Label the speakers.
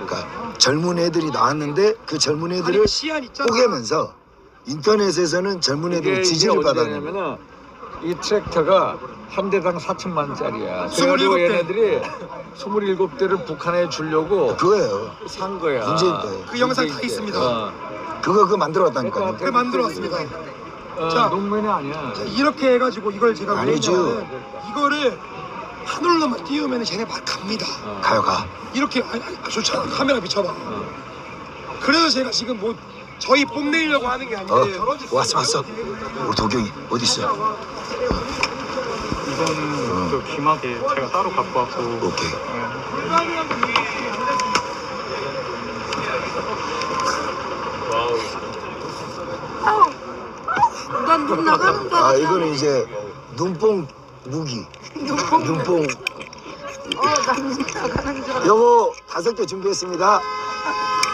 Speaker 1: 그러니까 젊은 애들이 나왔는데 그 젊은 애들을
Speaker 2: 시안 있잖아.
Speaker 1: 쪼개면서 인터넷에서는 젊은 애들 지지를 받았는 거야.
Speaker 3: 받았냐면은 이 트랙터가 한 대당 4천만 원짜리야.
Speaker 2: 27
Speaker 3: 그래가지고
Speaker 2: 대.
Speaker 3: 얘네들이 27대를 북한에 주려고
Speaker 1: 그거예요.
Speaker 3: 산 거야.
Speaker 1: 문재인 거예요.
Speaker 2: 그 영상 다 있습니다.
Speaker 1: 그거 만들어 왔다니까요.
Speaker 2: 그 만들어 왔습니다. 자.
Speaker 3: 농면이 아니야.
Speaker 2: 이렇게 해가지고 이걸 제가 왜
Speaker 1: 아니죠.
Speaker 2: 했냐면 이거를 하늘로만 띄우면 쟤네 막 갑니다.
Speaker 1: 가요 가.
Speaker 2: 이렇게 좋잖아. 카메라 비춰봐. 그래서 제가 지금 뭐 저희 뽐내려고 하는 게 아닌데
Speaker 1: 왔어. 우리 도경이 어디 있어?
Speaker 4: 이거는 그 귀마개 제가 따로 갖고 왔고.
Speaker 1: 오케이.
Speaker 5: 난 눈 나가는 줄
Speaker 1: 아
Speaker 5: 알았어.
Speaker 1: 이거는 이제 눈뽕 무기. 눈뽕.
Speaker 5: 난눈 나가는 줄 알았어.
Speaker 1: 요거 5개 준비했습니다.